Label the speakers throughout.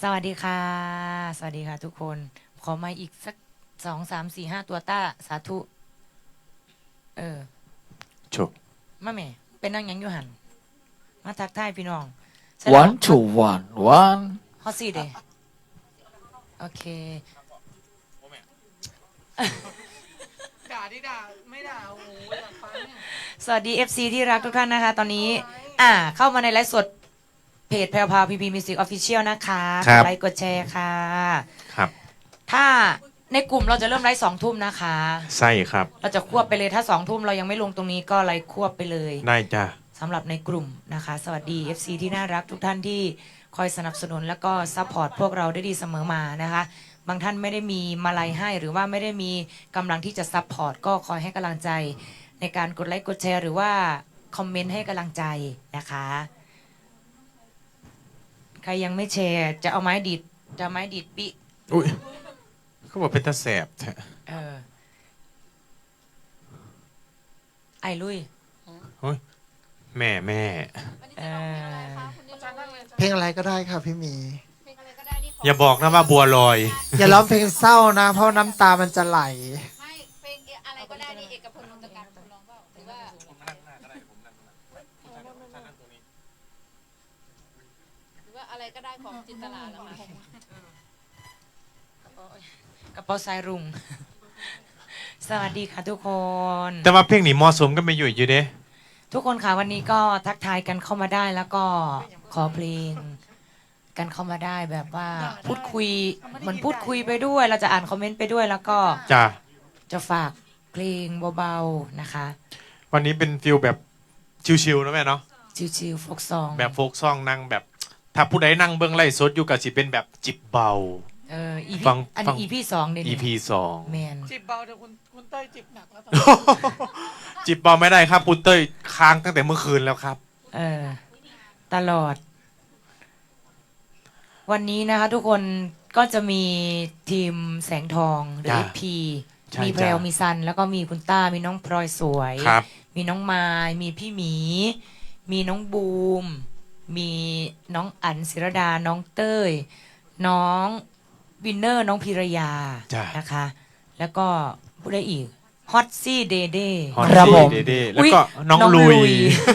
Speaker 1: สวัสดีค่ะสวัสดีค่ะทุกคนขอมาอีกสัก2 3 4 5ตัวต้าสาธุ
Speaker 2: โช
Speaker 1: มาแม่เป็นนั่งยังอยู่หันมาทักทายพี่น้อง
Speaker 2: one to one
Speaker 1: ฮอตซี่เดโอเค
Speaker 3: ด่าที่ด่าไม่ด่าโอ้โหอยากฟังเนี่ย
Speaker 1: สวัสดี FC ที่รักทุกท่านนะคะ ตอนนี้เข้ามาในไลฟ์สดเพจแพรวพาวพีพีมิวสิกออฟฟิเชียลนะคะกดไลค์กดแชร์ค่ะ
Speaker 2: ครับ
Speaker 1: ถ้าในกลุ่มเราจะเริ่มไลฟ์2 ทุ่มนะคะ
Speaker 2: ใช่ครับ
Speaker 1: เราจะควบไปเลยถ้า2 ทุ่มเรายังไม่ลงตรงนี้ก็ไลฟ์ควบไปเลย
Speaker 2: ได้จ้ะ
Speaker 1: สำหรับในกลุ่มนะคะสวัสดี FC ที่น่ารักทุกท่านที่คอยสนับสนุนแล้วก็ซัพพอร์ตพวกเราได้ดีเสมอมานะคะบางท่านไม่ได้มีมาลัยให้หรือว่าไม่ได้มีกำลังที่จะซัพพอร์ตก็คอยให้กำลังใจในการกดไลค์กดแชร์หรือว่าคอมเมนต์ให้กำลังใจนะคะใครยังไม่แชร์จะเอาไม้ดีดปิ
Speaker 2: อุ้ยเขาบอกเป็นตาแสบแท้
Speaker 1: ไอ้ลุย
Speaker 2: แม่
Speaker 3: เพลงอะไรก็ได้ค่ะพี่หมี
Speaker 2: อย่าบอกนะว่าบัวลอย
Speaker 3: อย่าร้องเพลงเศร้านะเพราะน้ำตามันจะไหล
Speaker 4: ไม่เพลงอะไรก็ได้นี่เอกพลนนทการคุณร้องเปล่าหรือว่าอะไรก็ได้ของจินตลาเหรอคะ
Speaker 1: กระเป๋าสายรุ้งสวัสดีค่ะทุกคน
Speaker 2: แต่ว่าเพลงนี้เหมาะสมก็ไม่อยู่เด้
Speaker 1: ทุกคนค่ะวันนี้ก็ทักทายกันเข้ามาได้แล้วก็ขอเพลงกันเข้ามาได้แบบว่าพูดคุยเหมือนพูดคุยไปด้วยเราจะอ่านคอมเมนต์ไปด้วยแล้วก็จะฝากเพลงเบาๆนะคะ
Speaker 2: วันนี้เป็นฟิลแบบชิลๆนะแม่เนาะ
Speaker 1: ชิลๆโฟกซอง
Speaker 2: แบบโฟกซองนั่งแบบถ้าผู้ใดนั่งเบื้องไล่สดอยู่กับสิเป็นแบบจิบเบา
Speaker 1: ฟังอันนี้ EP 2เดี๋ยวนี้
Speaker 2: EP 2
Speaker 1: แมน
Speaker 3: จิบเบาแต่คุณเต้ยจิบหนักแล้วตอน
Speaker 2: จิบเบาไม่ได้ครับคุณเต้ยค้างตั้งแต่เมื่อคืนแล้วครับ
Speaker 1: ตลอดวันนี้นะคะทุกคนก็จะมีทีมแสงทองหรือ FP มีแพรวมีซันแล้วก็มีคุณต้ามีน้องพลอยสวยมีน้องมายมีพี่หมีมีน้องบูมมีน้องอั๋นศิรดาน้องเต้ยน้องวินเนอร์น้องพิรยานะคะแล้วก็ผู้ใดอีกฮอตซี่เดเด้
Speaker 2: ครับผมแล้วก็น้องลุย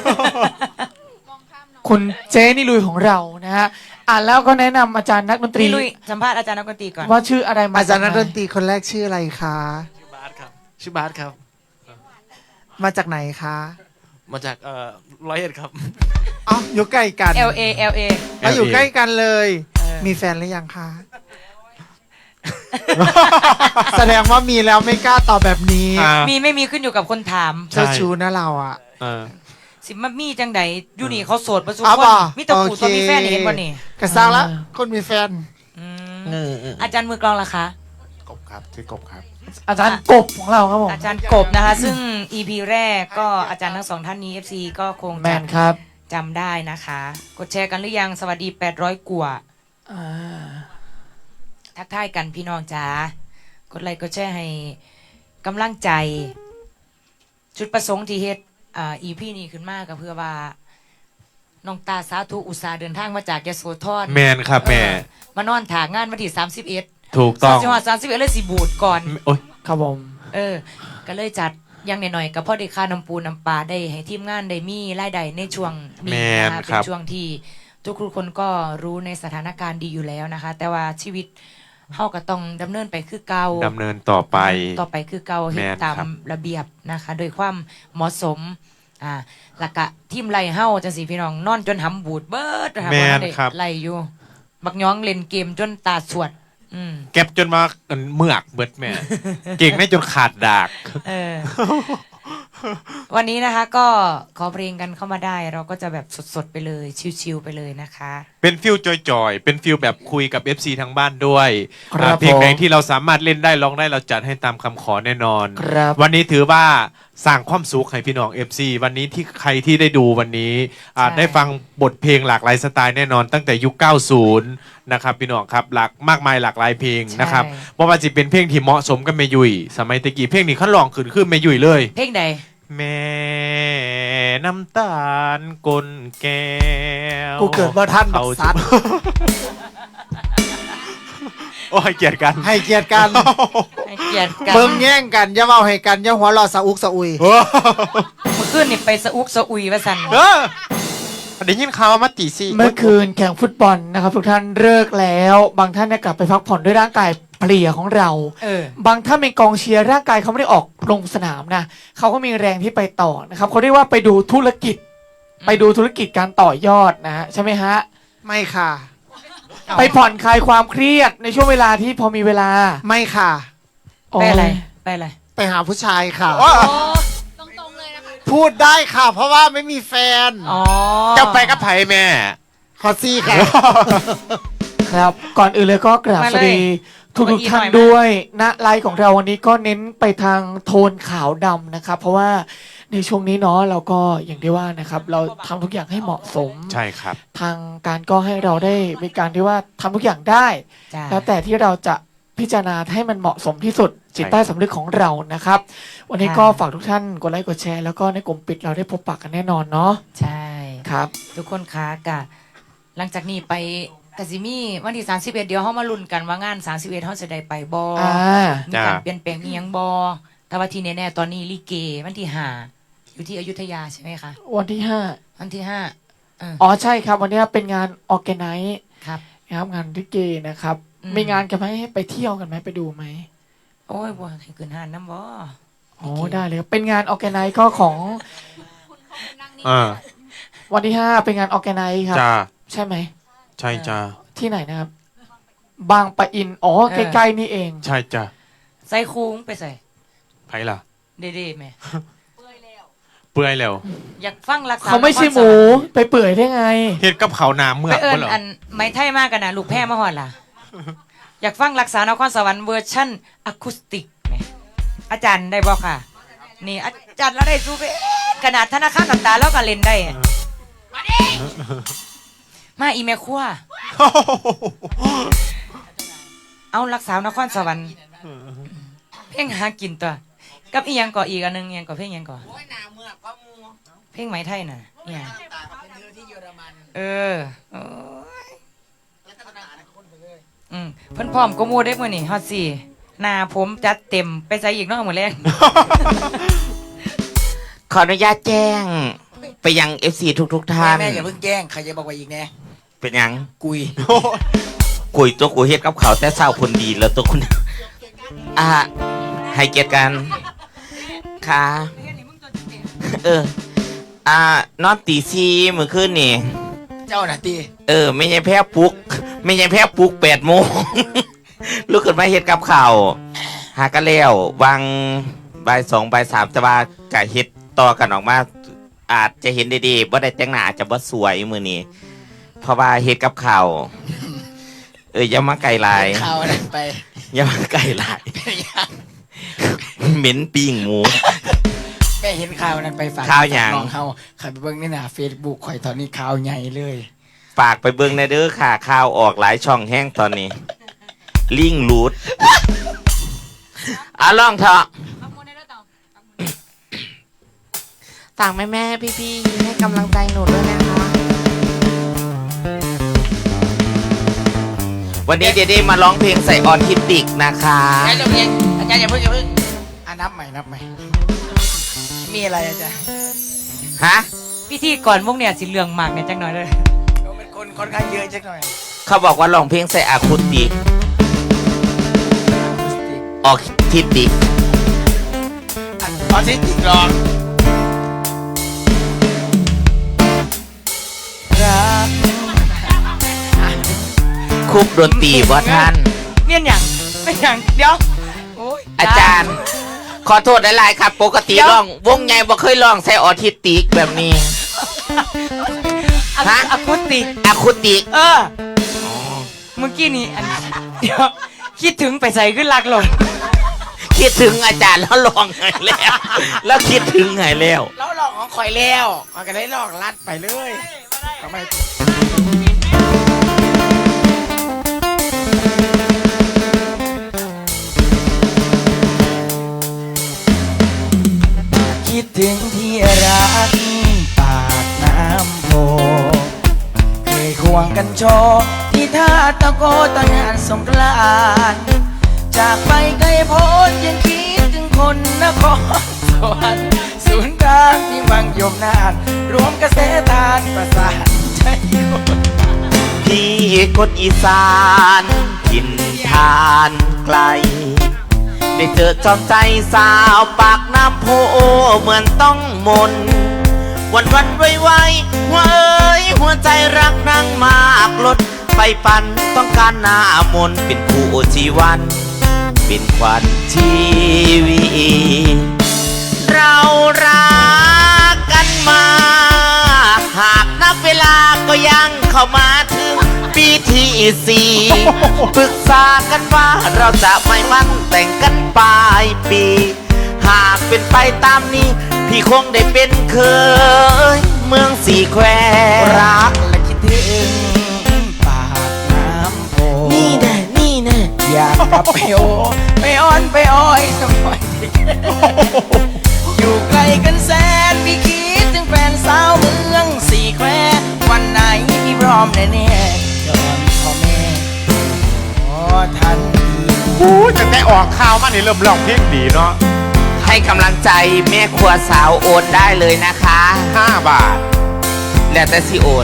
Speaker 3: คุณเจนี่ลุยของเรานะฮะแล้วก็แนะนำอาจารย์นักดนตรี
Speaker 1: ลุยสัมภาษณ์อาจารย์นักดนตรีก่อน
Speaker 3: ว่าชื่ออะไรอาจารย์นักดนตรีคนแรกชื่ออะไรคะ
Speaker 5: ชื่อบาสครับชื่อบาสครับ
Speaker 3: มาจากไหนคะ
Speaker 5: มาจาก100 เอ็ดครับ
Speaker 3: อ๋ออยู่ใกล้กัน
Speaker 1: LA
Speaker 3: อยู่ใกล้กันเลยมีแฟนหรือยังคะแสดงว่ามีแล้วไม่กล้าตอบแบบนี้
Speaker 1: มีไม่มีขึ้นอยู่กับคนถาม
Speaker 3: เจ้าชู้นะเราอ่ะ
Speaker 1: สิมามีจังใดอยู่นี่เขาโสดประสบคนมีแต่ผู้ตัวมีแฟนเห็นบ่นี่
Speaker 3: กระซังแล้วคนมีแฟน
Speaker 1: อาจารย์มือกลองล่ะคะ
Speaker 2: กบครับชื่อกบครับ
Speaker 3: อาจารย์กบของเราครับผม
Speaker 1: อาจารย์กบนะคะซึ่ง EP แรกก็อาจารย์ทั้ง2 ท่านนี้ FC ก็คงจะจำได้นะคะกดแชร์กันหรือยังสวัสดี800 กว่าทักทายกันพี่น้องจ๋ากดไลค์กดแชร์ให้กำลังใจจุดประสงค์ที่เฮ็ดEP นี้ขึ้นมาก็เพื่อว่าน้องตาสาธุอุตสาห์เดินทางมาจากยโสธร
Speaker 2: แมนครับแม่
Speaker 1: มานอนถางานวันที่31
Speaker 2: ถูกต้อง
Speaker 1: จังหวัด31เลยสิบูดก่อน
Speaker 2: โอ๊ย
Speaker 3: ครับผม
Speaker 1: ก็เลยจัดยังหน่อยๆกับพ่อได้ค่าน้ำปูน้ำปลาได้ให้ทีมงานได้มีรายได้ในช่วงนี้นะคะเป็นช่วงที่ทุกคนก็รู้ในสถานการณ์ดีอยู่แล้วนะคะแต่ว่าชีวิตเฮาก็ต้องดำเนินไปคือเก่า
Speaker 2: ดำเนินต่อไป
Speaker 1: คือเก่าเฮ็ดตามระเบียบนะคะโดยความเหมาะสมแล้วก็ทีมไล่เฮาจังซี่พี่น้องนอนจนหำบูดเบิดนะคะบ่ได้ไล่อยู่บักย้องเล่นเกมจนตาสวด
Speaker 2: เก็บจนมาเมือกเบิดแม่เก่งได้จนขาดดาก
Speaker 1: วันนี้นะคะก็ขอเพลงกันเข้ามาได้เราก็จะแบบสดๆไปเลยชิลๆไปเลยนะคะ
Speaker 2: เป็นฟิลจอยๆเป็นฟิลแบบคุยกับ FC ทางบ้านด้วยเพลงไหนที่เราสามารถเล่นได้ร้องได้เราจัดให้ตามคำขอแน่นอนวันนี้ถือว่าสร้างความสุขให้พี่น้อง FC วันนี้ที่ใครที่ได้ดูวันนี้ได้ฟังบทเพลงหลากหลายสไตล์แน่นอนตั้งแต่ยุค 90 นะครับพี่น้องครับมากมายหลากหลายเพลงนะครับเพราะว่าจะเป็นเพลงที่เหมาะสมกับแม่ยุ้ยสมัยตะกี้เพลงนี้เขาลองขึ้นแม่ยุ้ยเลย
Speaker 1: เพลงใด
Speaker 2: แม่น้ำตาลกลแก้ว
Speaker 3: กูเกิดว่าท่านบักสัน
Speaker 2: โอ้ให้เกียรติกัน
Speaker 6: ให้เกียรติกัน
Speaker 1: ให้เกียรติกัน
Speaker 6: เบิ่งแย่งกันอย่าเว้าให้กันอย่าหัวเราะสะอุกสะอุย
Speaker 2: โอ้
Speaker 1: เมื่อคืนนี่ไปสะอุกสะอุยว่าสัน
Speaker 2: เออได้ยินข่าวว่ามาตีสี่
Speaker 3: เมื่อคืนแข่งฟุตบอลนะครับทุกท่านเลิกแล้ว บางท่านเนี่ยกลับไปพักผ่อนด้วยร่างกายเพลียของเรา บางท่านเป็นกองเชียร์ร่างกายเขาไม่ได้ออกลงสนามนะเขาก็มีแรงที่ไปต่อนะครับเขาเรียกว่าไปดูธุรกิจ ไปดูธุรกิจการต่อยอดนะฮะใช่ไหมฮะ
Speaker 6: ไม่ค่ะ
Speaker 3: ไปผ่อนคลายความเครียดในช่วงเวลาที่พอมีเวลา
Speaker 6: ไม่ค่ะ
Speaker 1: ไปอะไรไปอะไร
Speaker 6: ไปหาผู้ชายค่ะ
Speaker 2: โอ้
Speaker 4: ตรงๆเลยนะคะ
Speaker 6: พูดได้ค่ะ เพราะว่าไม่มีแฟน
Speaker 1: อ๋อ
Speaker 2: จะไปกับไผ่แม่
Speaker 6: ขอซี่ค่ะ
Speaker 3: ครับก่อนอื่นเลยก็กราบสวัสดีทุกท่านด้วยณไลฟ์ของเราวันนี้ก็เน้นไปทางโทนขาวดำนะครับ เพราะว่าในช่วงนี้เนาะเราก็อย่างที่ว่านะครับ เราทำทุกอย่างให้เหมาะสม
Speaker 2: ใช่ครับ
Speaker 3: ทางการก็ให้เราได้มีการที่ว่าทำทุกอย่างได้
Speaker 1: จ้า
Speaker 3: แล้วแต่ที่เราจะพิจารณาให้มันเหมาะสมที่สุดจิตใต้สำนึกของเรานะครับ วันนี้ก็ฝากทุกท่านกดไลค์กดแชร์แล้วก็ในกลุ่มปิดเราได้พบปะกันแน่นอนเนาะ
Speaker 1: ใช่
Speaker 3: ครับ
Speaker 1: ทุกคนคะกะหลังจากนี้ไปกะสิมีวันที่31เดี๋ยวเฮามาลุ้นกันว่างาน31เฮาจะได้ไปบ่
Speaker 3: อ่า
Speaker 1: มีการเปลี่ยนแปลงอีหยังบ่แต่ว่าที่แน่ๆตอนนี้ลิเกวันที่5อยู่ที่อยุธยาใช่ไหมคะ
Speaker 3: วันที่ห้า
Speaker 1: วันที่5
Speaker 3: อ๋อใช่ครับ วันนี้เป็นงานออแกไนซ์
Speaker 1: ครับ
Speaker 3: นะครับงานลิเกนะครับ
Speaker 1: อืม
Speaker 3: มีงานกันไหมให้ไปเที่ยวกันไหมไปดูไหม
Speaker 1: โอ้ยบ่ให้ขึ้นห้านน้ำบ่
Speaker 3: โอ้ได้เลยครับเป็นงานออแกไนซ์ก็ของ
Speaker 4: นั่งนี่
Speaker 2: อ่า
Speaker 3: วันที่5เป็นงานออแกไนซ์ครับ
Speaker 2: จ้า
Speaker 3: ใช่ไหม
Speaker 2: ใช่จ้า
Speaker 3: ที่ไหนนะครับ บางปะอินอ๋อใกล้ๆนี่เอง
Speaker 2: ใช่จ้า
Speaker 1: ใส่คูงไปใส่
Speaker 2: ไผ่ล่ะ
Speaker 1: เด้ๆแม่
Speaker 2: เปื่อยแล้ว
Speaker 1: อยากฟังรักษา
Speaker 3: เขาไม่ใช่หมู ไปเปื่อยได้ไง
Speaker 2: เฮ็ดกับเขาวหนาเมื่
Speaker 1: ไป
Speaker 2: อก
Speaker 1: เอิ้
Speaker 2: บ่
Speaker 1: น
Speaker 2: เหรอ
Speaker 1: อันไม้ไทยมากกันนะลูกแพร่มาฮอดล่ะ อยากฟังรักษานครสวรรค์เวอร์ชั่นอะคูสติกแหมอาจารย์ได้บ่ค่ะ นี่อาจารย์เราได้สู้ไปขนาดธนาคารน้ำตาแล้วก็เล่นได้อะมาอีแม่ครัวเอารักษานครสวรรค์เพลงหากินตัวกับอีหยังก่ออีกอันหนึงอีหยังก่อเพลงอีหยังก่อเพลงไหมไทยน่ะเนี่ยเออโอ้ยเพิ่นพร้อมก็มูได้มื้อนี่ฮอดสี่หน้าผมจัดเต็มไปใส่อีกเนาะมื้อแรก
Speaker 7: ขออนุญาตแจ้งไปยัง FC ทุกท่าน
Speaker 8: แม่อย่าเพิ่งแจ้งใครจะบอกว่าอีกแน่
Speaker 7: เป็นหยัง
Speaker 8: กุย
Speaker 7: กุยตัวกูเฮ็ดกับเขาวแต่เศร้าคนดีแล้วตัวคุณ ให้เกียรติกันค่ะเออนอนตีซีเมื่อคืนนี่
Speaker 8: เจ้าหน้าที่
Speaker 7: ไม่ใช่แพ้ปลุก ไม่ใช่แพ้ปลุก8 โมง ลุกขึ้นมาเฮ็ดกับข้าวหากันแล้ววางบ่าย2บ่าย3แต่ว่ากะเฮ็ดต่อกันออกมา อาจจะเห็นดีๆว่าได้แต่งหน้าอาจจะบ่สวยมือนี้เพราะว่าเฮ็ดกับข้าวอย่ามาไก่ลาย
Speaker 8: ข่าวอะไรไป
Speaker 7: อย่ามาไก่ลาย
Speaker 8: เป็นยัง
Speaker 7: เหม็นปิ้งหมู
Speaker 8: แม่เห็นข่าวนั้นไปฝาก
Speaker 7: ข่าวหยัง
Speaker 8: น้องเขาใครไปเบิ่งนี่นะเฟซบุ๊กข่อยตอนนี้ข่าวใหญ่เลย
Speaker 7: ฝากไปเบิ่งในเด้อค่ะข่าวออกหลายช่องแห้งตอนนี้ ลิงรูดลองเถอะฝากแม่ๆพี่ๆให้กำลังใจหนูด้วยนะคะ วันนี้เดดมาร้องเพลงใส่ออนทิติกนะคะ
Speaker 8: อาจารย์อย่าเพิ่งนับใหม่มีอะไรอาจารย์
Speaker 7: ฮะ
Speaker 1: พิธีก่อนพวกเนี่ยสิเรื่องมากเนี่ยจังหน่อยเลย
Speaker 8: เราเป็นคนค่อนข้างเยอะจักหน่อย
Speaker 7: เขาบอกว่าร้องเพลงใส่อะคูสติก ออกทิติก
Speaker 8: ตอนที่ติดร้อง
Speaker 1: รัก
Speaker 7: คุกดนตรีว่าท่าน
Speaker 1: เมียนหยังไม่หยังเดี๋ยวโอ้ย
Speaker 7: อาจารย์ ขอโทษหลายๆครับ ปกติร้อง วงใหญ่บ่เคยร้องใส่ออทิสติกแบบนี้ ฮะ
Speaker 1: อะคูสติก
Speaker 7: อะคูติก
Speaker 1: เมื่อกี้นี้อันเดี๋ยวคิดถึงไปใส่ขึ้นลักลง
Speaker 7: คิดถึงอาจารย์แล้วร้องไงแล้ว แล้วคิดถึงไงแล้ว
Speaker 8: แล้วลองของข่อยแล้วข่อยก็ได้ลองลัดไปเลยทำไมคิดถึงที่รักปากน้ำโพเคยควงกันโชว์ที่ท่าตะโกตอนงานศสงกรานต์จากไปไกลโพ้นยังคิดถึงคนนครสวรรค์ศูนย์กลางที่วังยมนานรวมกระแสทานประสานใจคน
Speaker 7: พี่คนอีสานถิ่นทานไกล ได้เจอจอมใจสาวปากน้ำโพเหมือนต้องมน วันไวหัวเอ้ยหัวใจรักนางมากลดไปปันต้องการหน้ามนเป็นคู่ชีวัน เป็นขวัญชีวิตเรารักกันมาหากนับเวลาก็ยังเข้ามาถึงปีที่สี่ปรึกษากันว่าเราจะไม่มั่นแต่งกันปลายปี หากเป็นไปตามนี้ พี่คงได้เป็นเคยเมืองสี่แคว
Speaker 8: รักและคิดถึงปากน้ำโพ
Speaker 7: นี่แน่นี่แน่
Speaker 8: อยากกลับไปโอไปอ้อนไปอ้อยสมัยเด็กอยู่ไกลกันแสนพี่คิดถึงแฟนสาวเมืองสี่แคววันไหนพี่พร้อมแน่ๆจอนพ่อแม่ขอทันที
Speaker 2: จะได้ออกข่าวมานี่เริ่มร้องเพลงดีเนาะ
Speaker 7: ให้กำลังใจแม่ครัวสาวโอนได้เลยนะคะ
Speaker 2: 5 บาท
Speaker 7: แล้วแต่สิโอน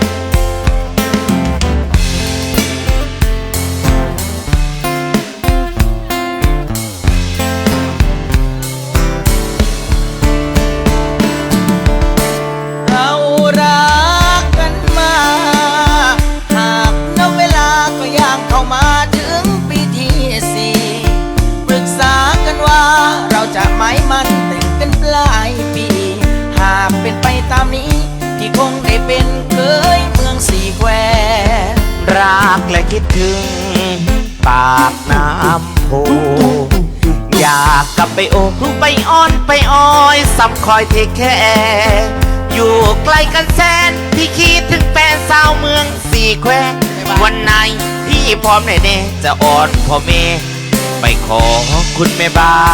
Speaker 8: เรารักกันมาหากนับเวลาก็ย่างเข้ามาถึงปีที่สี่ปรึกษากันว่าเราจะไม่มันแต่งกันปลายปี หากเป็นไปตามนี้พี่คงได้เป็นเคยเมืองสี่แคว
Speaker 7: รักและคิดถึงปากน้ำโพอยากกลับไปโอไปอ้อนไปอ้อยซ้ำคอยเทคแค่อยู่ไกลกันแสนพี่คิดถึงแฟนสาวเมืองสี่แคววันไหนพี่พร้อมแน่ๆจะอ้อนพ่อแม่ไปขอคุณแม่บ้าน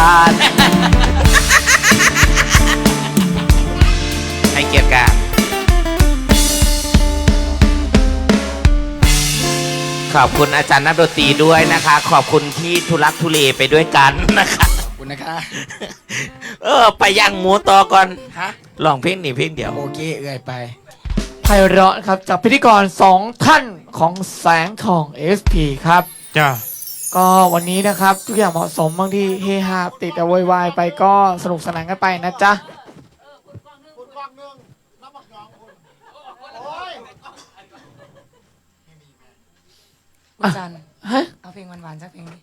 Speaker 7: ให้เกียรติกันขอบคุณอาจารย์นักดนตรีด้วยนะคะ ขอบคุณที่ทุลักทุเลไปด้วยกันนะคะ
Speaker 8: ขอบคุณนะคะ
Speaker 7: ไปย่างหมูต่อก่อน
Speaker 8: ฮะ
Speaker 7: ลองเพลงนี้เพลงเดียว
Speaker 8: โอเคเอื่อยไป
Speaker 3: ไพเราะครับจากพิธีกร2 ท่านของแสงทอง SP ครับ
Speaker 2: จ้า
Speaker 3: ก็วันนี้นะครับทุกอย่างเหมาะสมบางที่เฮฮาติดแต่โวยวายไปก็สนุกสนานกันไปนะจ๊ะ
Speaker 1: คุณจัน
Speaker 3: ฮะ
Speaker 1: เอาเพลงหวานๆสักเพลงดิ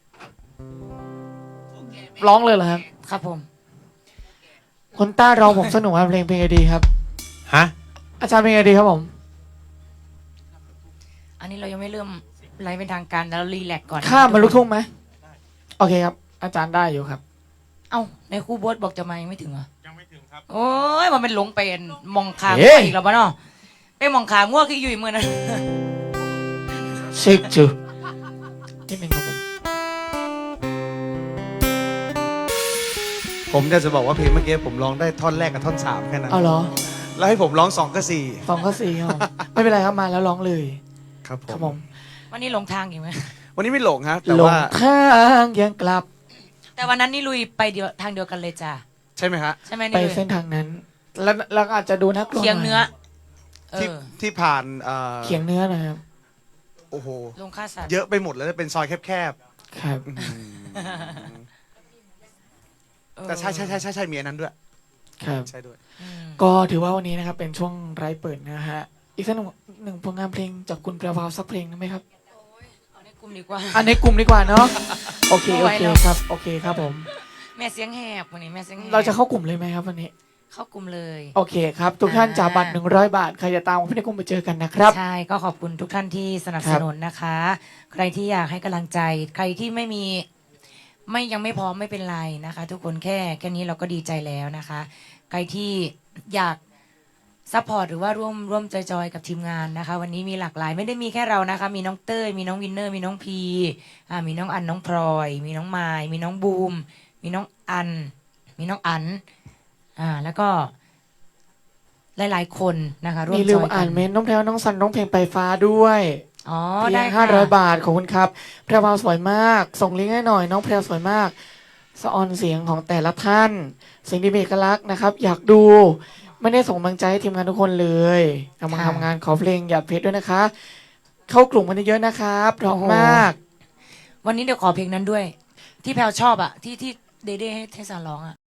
Speaker 3: ร้องเลยเหรอครับ
Speaker 1: ครับผม
Speaker 3: คนต้าร้องผมสนุกครับเพลงไอดีครับ
Speaker 2: ฮะ
Speaker 3: อาจารย์เพลงไอดีครับผม
Speaker 1: อันนี้เรายังไม่เริ่มไลฟ์เป็นทางการแล้วเรารีแลกซ์ก่อน
Speaker 3: ข้ามมาลูกทุ่งไหมโอเคครับ อาจารย์ได้อยู่ครับ
Speaker 1: เอ้าในครูโบอสบอกจะมายังไม่ถึงเหรอ
Speaker 2: ยังไม่ถึงครับ
Speaker 1: โอ้ยมันเป็นหลงเป็นมองคาง
Speaker 3: เฮ้ย
Speaker 1: อีกแล้วปะเนาะไปมองคางง่วงคืออยู่อีกมือนะ
Speaker 3: เช็คจูนิดนึงครับผม
Speaker 6: ผมจะบอกว่าเพลงเมื่อกี้ผมร้องได้ท่อนแรกกับท่อน3แค่นั้น
Speaker 3: เอาเหรอ
Speaker 6: แล้วให้ผมร้อง2กับ
Speaker 3: 2 ก็ 4ครับผมไม่เป็นไรครับมาแล้วร้องเลย
Speaker 6: 4ครับผ
Speaker 3: ครับ
Speaker 6: ม
Speaker 3: ผม
Speaker 1: วันนี้หลงทางอยู่ไหม
Speaker 6: วันนี้ไม่หลงฮะแต่
Speaker 3: หลง
Speaker 6: ว่า
Speaker 3: ทางยังกลับ
Speaker 1: แต่วันนั้นนี่ลุยไปเดียวทางเดียวกันเลยจ้ะ
Speaker 6: ใช่ไหมฮะ
Speaker 1: ใช่ไหม
Speaker 3: ไป
Speaker 1: นี่ลุย
Speaker 3: เส้นทางนั้น แล้วก็อาจจะดูน่ากลัว
Speaker 1: เคียงเนื้อ
Speaker 3: หน่ย
Speaker 1: เออ
Speaker 6: ที่ผ่าน
Speaker 3: เคียงเนื้อหนะครับ
Speaker 6: โอ้โห
Speaker 1: ลงค่าสัตว์
Speaker 6: เยอะไปหมดแล้วเป็นซอยแคบ
Speaker 3: ครับ
Speaker 6: ๆ
Speaker 1: เออ
Speaker 6: แต่ใช่มีอันนั้นด้วย
Speaker 3: ครับ
Speaker 6: ใช่ด้วย
Speaker 1: อืม
Speaker 3: ก็ถือว่าวันนี้นะครับเป็นช่วงไร้เปิดนะฮะ อีกสักหนึ่งผลงานเพลงจากคุณแปลวาวสักเพลงได้ไหมครับ
Speaker 1: เอาในกลุ่มดีกว่า
Speaker 3: อันในกลุ่มดีกว่าเนาะ โอเค
Speaker 1: ไม่
Speaker 3: โอ
Speaker 1: ไหว
Speaker 3: เค
Speaker 1: แล้ว
Speaker 3: ครับ โอเคครับผม
Speaker 1: แม่เสียงแหบวันนี้แม่เสียงแหบ
Speaker 3: เราจะเข้ากลุ่มเลยไหมครับวันนี้
Speaker 1: เข้ากลุ่มเลย
Speaker 3: โอเคครับ ทุกท่านจ่ายบัตร100 บาท ใครจะตามพี่ในกลุ่มไปเจอกันนะครับ
Speaker 1: ใช่ก็ขอบคุณทุกท่านที่สนับสนุนนะคะ ใครที่อยากให้กำลังใจ ใครที่ไม่มียังไม่พร้อมไม่เป็นไรนะคะ ทุกคนแค่นี้เราก็ดีใจแล้วนะคะ ใครที่อยากซัพพอร์ตหรือว่าร่วมจอยๆกับทีมงานนะคะ วันนี้มีหลากหลายไม่ได้มีแค่เรานะคะ มีน้องเต้ยมีน้องวินเนอร์มีน้องพีมีน้องอันน้องพลอย มีน้องไมายมีน้องบูม มีน้องอัน มีน้องอันแล้วก็หลายๆคนนะคะร่วม
Speaker 3: มี
Speaker 1: จ
Speaker 3: ลืม
Speaker 1: อยกั
Speaker 3: อ่าน นเมนต์น้องแพรวน้องสันน้องเพลงไปฟ้าด้วย
Speaker 1: อ๋อ
Speaker 3: เพี
Speaker 1: ได้
Speaker 3: ยง
Speaker 1: ค่ะ
Speaker 3: 500 บาทขอบคุณครับแพรวาสวยมาก ส่งลิงก์ให้หน่อยน้องแพรวสวยมากสะออนเสียงของแต่ละท่านเสียงดีมีเอกลักษณ์นะครับ อยากดูไม่ได้ส่งกำลังใจให้ทีมงานทุกคนเลยกำลังทำงานขอเพลงอย่าเพชรด้วยนะคะ เข้ากลุ่มกันเยอะๆนะครับร้องมาก
Speaker 1: วันนี้เดี๋ยวขอเพลงนั้นด้วย ที่แพลวชอบอะที่เดเด้ให้เทศาร้องอะ